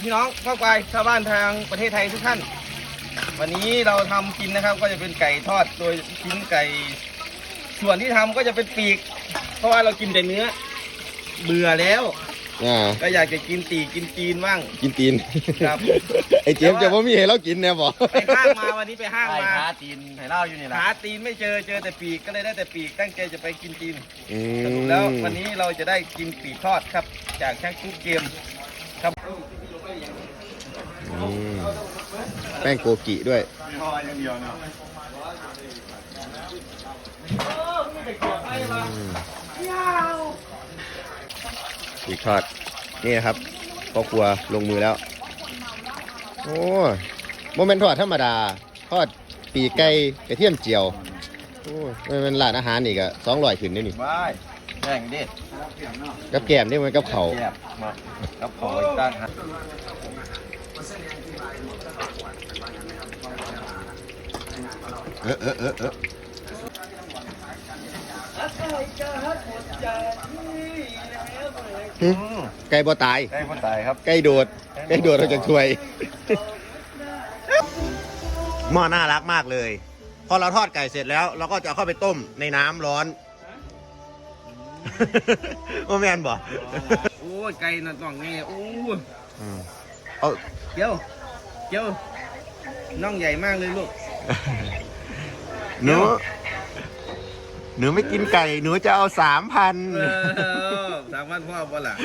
พี่น้องพ่อควายชาวบ้านทางประเทศไทยทุกท่านวันนี้เราทำกินนะครับก็จะเป็นไก่ทอดโดยชิ้นไก่ส่วนที่ทำก็จะเป็นปีกเพราะว่าเรากินแต่เนื้อเบื่อแล้วก็อยากจะกินตีกินตีนบ้างกินตีนครับไอเจี๊ยบจะว่ามีให้เรากินเนี่ยบอกไปห้างมาวันนี้ไปห้างมาหาตีนให้เล่าอยู่นี่แหละหาตีนไม่เจอแต่ปีกก็เลยได้แต่ปีกตั้งใจจะไปกินตีนสรุปแล้ววันนี้เราจะได้กินปีกทอดครับจากช่างกุ๊กเกมครับแป้งโกกิด้วยทอดอย่างเดียวเนาะปีกทอดนี่นะครับพ่อครัวลงมือแล้วโอ้โมเมนต์ทอดธรรมดาทอดปีกไก่กระเทียมเจียวโอ้มันร้านอาหารอีกอะ200ขึ้นนี่ว้ายแย่งดิกับแกมนี่มันกับเขากับเขาอีกตั้งฮะไก่บ่ตายไก่บ่ตายครับไก่โดดเราจะช่วยหม้อน่ารักมากเลยพอเราทอดไก่เสร็จแล้วเราก็จะเอาเข้าไปต้มในน้ำร้อนโอ้แมนบ่โอ้ไก่น่ะต้องนี่โอ้เอาเกี๊ยวน่องใหญ่มากเลยลูกหนูไม่กินไก่หนูจะเอา3,000 3,000พ่อบ่ล่ะ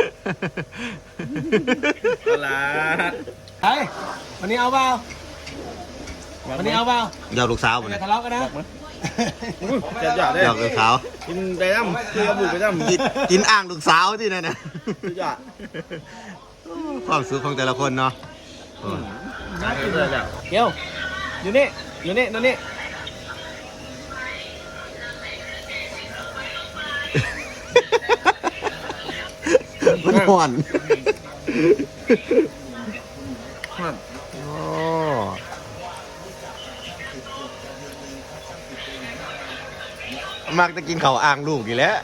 บ่ล่ะเฮ้ยวันนี้เอาเปล่าวันนี้เอาเปล่าเดี๋ยวลูกสาวมันทะเลาะกันนะจะหยอดได้เดี๋ยวลูกสาวกินไปด้ำคือบุกไปด้ำกินอ่างลูกสาวที่นั่นนะหยอดความสุขของแต่ละคนเนาะเกี๊ยวอยู่นี่ตรงนี้มันห่อนมักจะกินเขาอ่างลูกอยู่แล้ว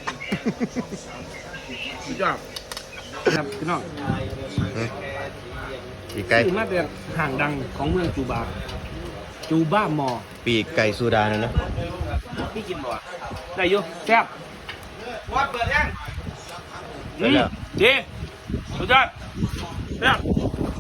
สุดยอดครับพี่น้องปีกไก่คือมาเป็นห่างดังของเมืองจูบ้ามอปีกไก่ซูดานนะพี่กินบ่ได้อยู่แซ่บวัดเปิดยังดีสุดยอดแซ่บ